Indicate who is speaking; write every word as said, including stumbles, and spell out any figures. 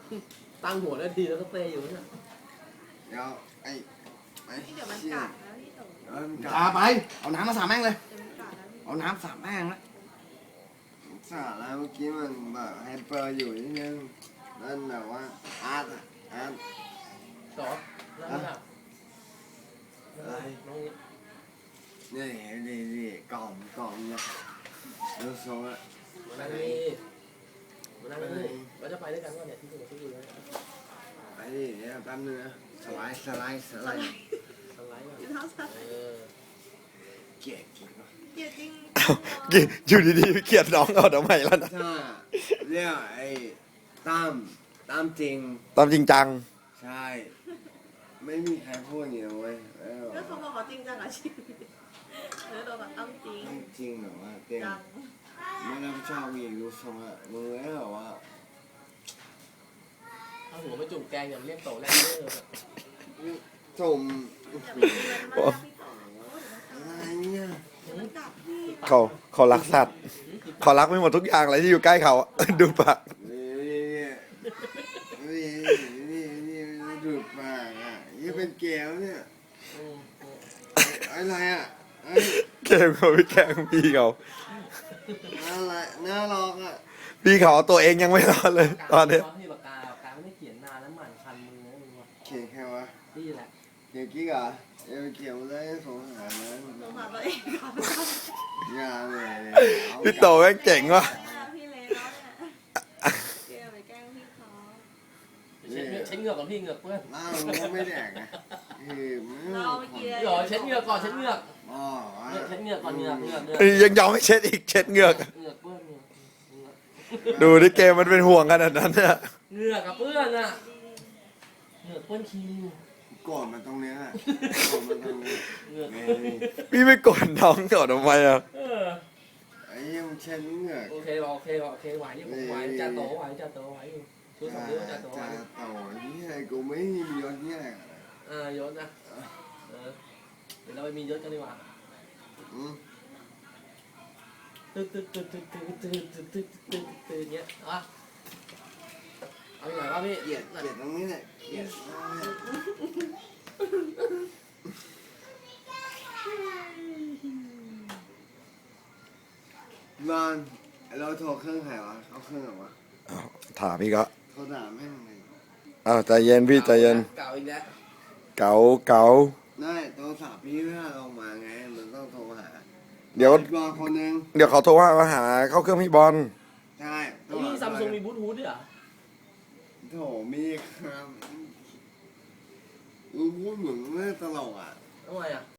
Speaker 1: ตั้งหัวได้ทีแล้วก็เตะอยู่เนี่ย
Speaker 2: เดี๋ยวไอ้ไอ้
Speaker 3: เดี๋ยวมันกัดนะพี่โต
Speaker 2: เออมันกัด
Speaker 4: พาไปเอาน้ำมาสาดแม่งเลย
Speaker 3: เดี๋ยวมันกัดนะพี่
Speaker 4: เอาน้ำสาดแม่งนะ
Speaker 2: สาดแล้วเมื่อกี้มันแบบไฮเปอร์อยู่นิดนึงนั่นแบบว่าอาร์ตอะอาร์ต
Speaker 1: สองนั่นแหละ
Speaker 2: อะไร
Speaker 1: น้องนี่
Speaker 2: นี่นี่นี่กล่อมกล่อมนะดูทรงอะ
Speaker 1: มานั่งนี่มานั่งนี่เราจะไปด้วยกันว่าเนี่ยที่ตัวที่อยู่แล้ว
Speaker 2: ไปดิเดี๋ยวแป๊บนึงนะสไลด์สไลด์สไลด์
Speaker 1: สไลด์ก่อน
Speaker 3: อยู่เท้าซ้าย
Speaker 1: เออ
Speaker 2: เกลียดจริงวะ
Speaker 3: เกลียดจริง
Speaker 4: อยู่ดีๆเกลียดน้องเอาทำไมล่ะนะ
Speaker 2: ถ้าเรียกไอ้ตั้มตั้มจริง
Speaker 4: ตามจริงจัง
Speaker 2: ใช่ ไม่มีใครพูดอย่างนี้เว้ยเออ
Speaker 3: ก็เขาบอกเขาจริงจังกับชีวิตเออโดนแบบตั้งจริง
Speaker 2: ตั้มจริงแบบว่าเต็ม
Speaker 3: จัง
Speaker 2: ไม่รับผิดชอบอีกดูทรงอะมึงเลยแบบว่า
Speaker 1: เอาหัวไปจุ่มแกงอย่างเรียกโตแรกเด้อ
Speaker 2: จม
Speaker 3: อย่าไปเตือนมันนะพี่โต
Speaker 2: อะไรเนี่ย
Speaker 3: เดี๋ยวมันกัดพี่
Speaker 4: เขาเขารักสัตว์เขารักไม่หมดทุกอย่างเลยที่อยู่ใกล้เขาอะ ดูปาก
Speaker 2: นี่นี่นี่นี่ดูดปากอ่ะนี่เป็นแก้วเนี่ยอะไรอ่ะ
Speaker 4: เกมเขาไปแกล้งพี่เขา
Speaker 2: อะไรน่ารักอ่ะ
Speaker 4: พี่เขาเอาตัวเองยังไม่รอดเลยตอนเนี้ย
Speaker 1: ที่ปากกาปากกาไม่ได้เขียนนานแล้วหมั่นคันมือนะมึงวะ
Speaker 2: เขียนแค่วะ
Speaker 1: นี่แหละ
Speaker 2: เขียนกิ๊กอ่ะเออเขียนมาได้สงสารนะ
Speaker 3: สงสารตัวเองครับ
Speaker 2: ยาเลย
Speaker 4: พี่โตแม่งเจ๋งว่ะ
Speaker 3: พี่เล็กแล้วเนี่ยเกลียดไปแกล้งพี่เขา
Speaker 1: เช็ดเหงือกเช็ดเหงือกก่อนพี่เหงือกเพื่อน
Speaker 2: เหล้ามันก็ไม่แดกนะคือมัน
Speaker 3: เราเมื่อกี้
Speaker 1: พี่หรอเช็ดเหงือกก่อนเช็ดเหงือก
Speaker 2: อ๋อ
Speaker 1: เช็ดเหงือกก่อนเหงือกเหงือกเหงือก
Speaker 4: เอ้ยยังยอมให้เช็ดอีกเช็ดเหงือก
Speaker 1: เหงือกเพื่อนเหงือก
Speaker 4: ดูที่เกมมันเป็นห่วงขนาดนั้นเนี่ย
Speaker 1: เหงือกกับเพื่อนอ่ะเหงือกเพื่อนคิว
Speaker 2: โกรธมันตรงเนี้ยโกรธมันตรงนี้
Speaker 1: เหงือก
Speaker 4: พี่ไม่กดน้องก่อนทำไมอ่ะ
Speaker 1: เออ
Speaker 2: ไอ้ยังเช็ดเหงือก
Speaker 1: โอเคโอเคโอเคไหวนี่ผมไหวจ่าโตไหวจ่าโตไหวอยู่ช่วยสองนิ้วจ่าโตไหว
Speaker 2: จ่าโตนี่ไอ้กูไม่มียศที่ไหน
Speaker 1: อ่ายศนะเออเดี๋ยวเราไปมียศกันดีกว่า
Speaker 2: อืม
Speaker 1: ตึ๊ดตึ๊ดตึ๊ดตึ๊ดตึ๊ดตึ๊ดตึ๊ดตึ๊ดตึ๊ดตึ๊ดเงี้ยอ่ะเอาอย่างไรวะพี่
Speaker 2: เกลียดเกลียดตรงนี้แหละเกลียดมากบอลเราโทรเครื่องใครวะเขาเครื่องเหรอวะ
Speaker 4: ถามพี่ก็
Speaker 2: โทรด่าแม่งเลย
Speaker 4: อ้าวใจเย็นพี่ใจเย็น
Speaker 1: เก่าอีกแล้ว
Speaker 4: เก๋าเก๋า
Speaker 2: ได้โทรศัพท์พี่เพื่อเรามาไงมันต้องโทรหา
Speaker 4: เดี๋ยว
Speaker 2: บอลคนหนึง
Speaker 4: เดี๋ยวเขาโทรมาหาเข้าเครื่องพี่บอล
Speaker 2: ใช่
Speaker 1: ไอ้นี่ซัมซุงมีบลูทูธด้วยเหรอ
Speaker 2: โถมีครับมึงพูดเหมือนไม่ตลกอ่ะ
Speaker 1: ทำไมอ่ะ